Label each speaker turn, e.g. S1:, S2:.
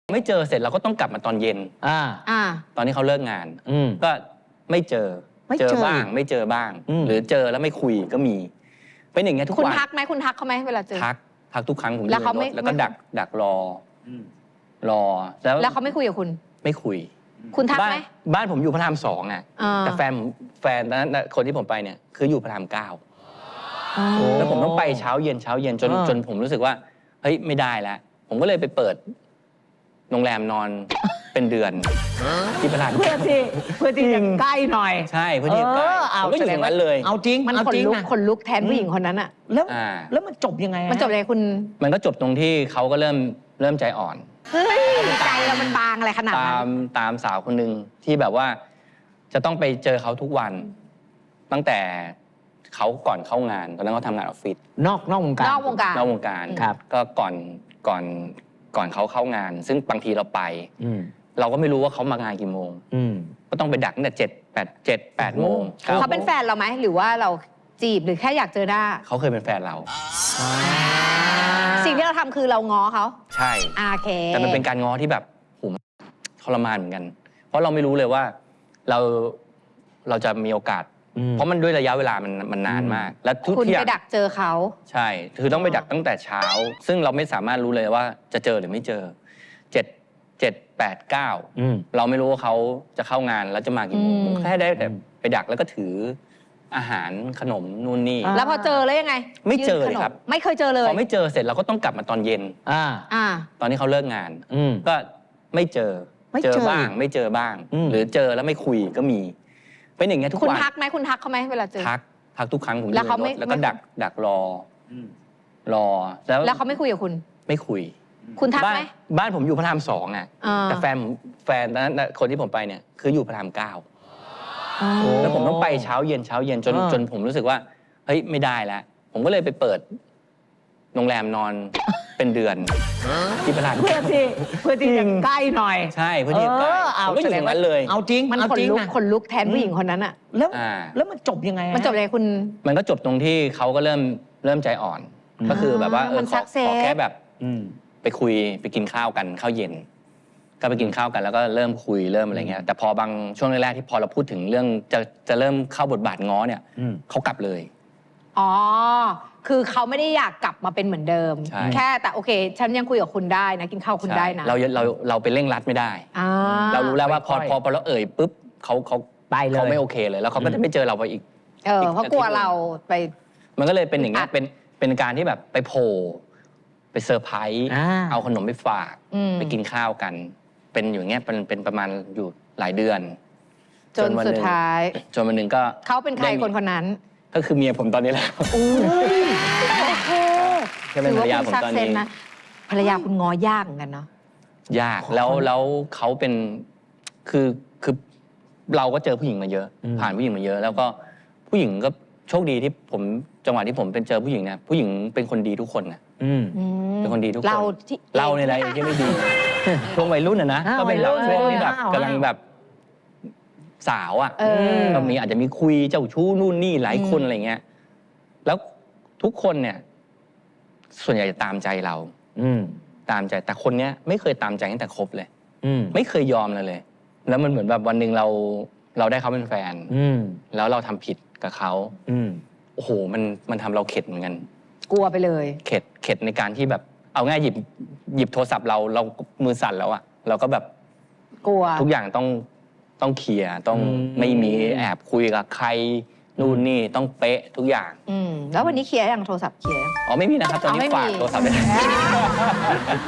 S1: ไม่เจอเสร็จเราก็ต้องกลับมาตอนเย็นตอนที่เขาเลิกงานก็ไม่เจอบ้างไม่เจอบ้างหรือเจอแล้วไม่คุยก็มีเป็นอย่างเงี้ยทุกวัน
S2: คุณทักไหมคุณทักเขาไหมเวลาเจอ
S1: ทักทุกครั้งผม
S2: แล้วเขาไม่
S1: แล้วก็ดักรอ
S2: แล้วเขาไม่คุยกับคุณ
S1: ไม่คุย
S2: คุณทักไหม
S1: บ้านผมอยู่พระราม2อ่ะแต่แฟนนั้นคนที่ผมไปเนี่ยคืออยู่พระราม9แล้วผมต้องไปเช้าเย็นจนผมรู้สึกว่าเฮ้ยไม่ได้แล้วผมก็เลยไปเปิดโรงแรมนอนเป็นเดือนที่พระราม
S3: เพื่อที่จะใกล้หน่อย
S1: ใช่เพื่อที่จะใกล้ผมก็อยู่ตรงนั้นเลย
S3: เอาจริง
S2: มันคนลุกแทนผู้หญิงคนนั้นอะ
S3: แล้วมันจบยังไง
S2: มันจบเลยคุณ
S1: มันก็จบตรงที่เขาก็เริ่มใจอ่อน
S2: ใจเรามันบางอะไรขนาดนั้น
S1: ตามสาวคนหนึ่งที่แบบว่าจะต้องไปเจอเขาทุกวันตั้งแต่เขาก่อนเข้างานตอนนั้นเขาทำงานออฟฟิศ
S3: นอกวง
S1: การ
S3: ครับ
S1: ก็ก่อนเขาเข้างานซึ่งบางทีเราไปเราก็ไม่รู้ว่าเขามางานกี่โมงก็ต้องไปดักตั้งแต่7-8 โมง
S2: เขาเป็นแฟนเราไหมหรือว่าเราจีบหรือแค่อยากเจอหน้า
S1: เขาเคยเป็นแฟนเรา
S2: สิ่งที่เราทำคือเราง้อเขา
S1: ใช่
S2: โอเค
S1: แต่มันเป็นการง้อที่แบบทรมานเหมือนกันเพราะเราไม่รู้เลยว่าเราจะมีโอกาสเพราะมันด้วยระยะเวลามันนานมากแล้วทุก
S2: ที่
S1: คุณ
S2: ไปดักเจอเขา
S1: ใช่คือต้องไปดักตั้งแต่เช้าซึ่งเราไม่สามารถรู้เลยว่าจะเจอหรือไม่เจอ7-8-9เราไม่รู้ว่าเขาจะเข้างานแล้วจะมากี่โมงแค่ได้แต่ไปดักแล้วก็ถืออาหารขนมนู่นนี่
S2: แล้วพอเจอแล้วยังไง
S1: ไม่เจอเลยครับ
S2: ไม่เคยเจอเลย
S1: พอไม่เจอเสร็จเราก็ต้องกลับมาตอนเย็นตอนที่เขาเลิกงานก็ไม่เจอบ้างไม่เจอบ้างหรือเจอแล้วไม่คุยก็มีเป็นอย่างเงี้ยทุกวัน
S2: คุณทักไหมคุณทักเขาไหมเวลาเจอ
S1: ทักทุกครั้งผม
S2: แล้วเขาไม่
S1: แล้วก็ดักรอ
S2: แล้วเขาไม่คุยกับคุณ
S1: ไม่คุย
S2: คุณทักไหม
S1: บ้านผมอยู่พระราม2อ่ะแต่แฟนนั้นคนที่ผมไปเนี่ยคืออยู่พระราม9แล้วผมต้องไปเช้าเย็นจนผมรู้สึกว่าเฮ้ยไม่ได้แล้วผมก็เลยไปเปิดโรงแรมนอนเป็นเดือนที่พระราม
S3: เพื่อที่จะใกล้หน่อย
S1: ใช่เพื่อที่จะใกล้ผมก็อยู่ตรงนั้นเลย
S3: เอาจริง
S2: มันคนลุกแทนผู้หญิงคนนั้นอะ
S3: แล้วมันจบยังไง
S2: มันจบเลยคุณ
S1: มันก็จบตรงที่เขาก็เริ่มใจอ่อนก็คือแบบว่าขอแค่แบบไปคุยไปกินข้าวกันข้าวเย็นก็ไปกินข้าวกันแล้วก็เริ่มคุยเริ่มอะไรเงี้ยแต่พอบางช่วงแรกๆที่พอเราพูดถึงเรื่องจะเริ่มเข้าบทบาทง้อเนี่ยเขากลับเลย
S2: คือเขาไม่ได้อยากกลับมาเป็นเหมือนเดิมแค่แต่โอเคฉันยังคุยกับคุณได้นะกินข้าวคุณได้นะ
S1: เราไปเร่งรัดไม่ได้เรารู้แล้วว่าพอเราปุ๊บเขา
S3: ไปเลย
S1: เขาไม่โอเคเลยแล้วเขาก็จะไม่เจอเราไปอีก
S2: เพราะกลัวเราไป
S1: มันก็เลยเป็นอย่างเงี้ยเป็นการที่แบบไปโผล่ไปเซอร์ไพรส์เอาขนมไปฝากไปกินข้าวกันเป็นอย่างเงี้ยเป็นประมาณอยู่หลายเดือน
S2: จนสุดท้าย
S1: จนวันหนึ่งก็
S2: เขาเป็นใครคนนั้น
S1: ก็คือเมียผมตอนนี้แหละ
S2: โอเค
S1: ก็เป็นภรรยาผมตอนนี้
S2: ภรรยาคุณง้อยากเหมือนกันเนาะ
S1: ยากแล้วเขาเป็นคือเราก็เจอผู้หญิงมาเยอะผ่านผู้หญิงมาเยอะแล้วก็ผู้หญิงก็โชคดีที่ผมจังหวะที่ผมเป็นเจอผู้หญิงเนี่ยผู้หญิงเป็นคนดีทุกคนนะเป็นคนดีทุกคนเราในอะไรที่ไม่ดีช่วงวัยรุ่นนะก็เป็นเราช่วงที่แบบกำลังแบบสาวอ่ะก็อาจจะมีคุยเจ้าชู้นู่นนี่หลายคนอะไรเงี้ยแล้วทุกคนเนี่ยส่วนใหญ่จะตามใจเราตามใจแต่คนเนี้ยไม่เคยตามใจตั้งแต่คบเลยไม่เคยยอมเลยแล้วมันเหมือนแบบวันหนึ่งเราได้เขาเป็นแฟนแล้วเราทำผิดกับเขาโอ้โหมันทำเราเข็ดเหมือนกัน
S2: กลัวไปเลย
S1: เข็ดในการที่แบบเอาง่ายหยิบโทรศัพท์เรามือสั่นแล้วอะเราก็แบบ
S2: กลัว
S1: ทุกอย่างต้องเคลียร์ต้องไม่มีแอบคุยกับใครนู่นนี่ต้องเป๊ะทุกอย่าง
S2: แล้ววันนี้เคลียร์ยังโทรศัพท์เคลียร์
S1: อ๋อไม่มีนะครับตอนนี้ฝากโทรศัพท์ไป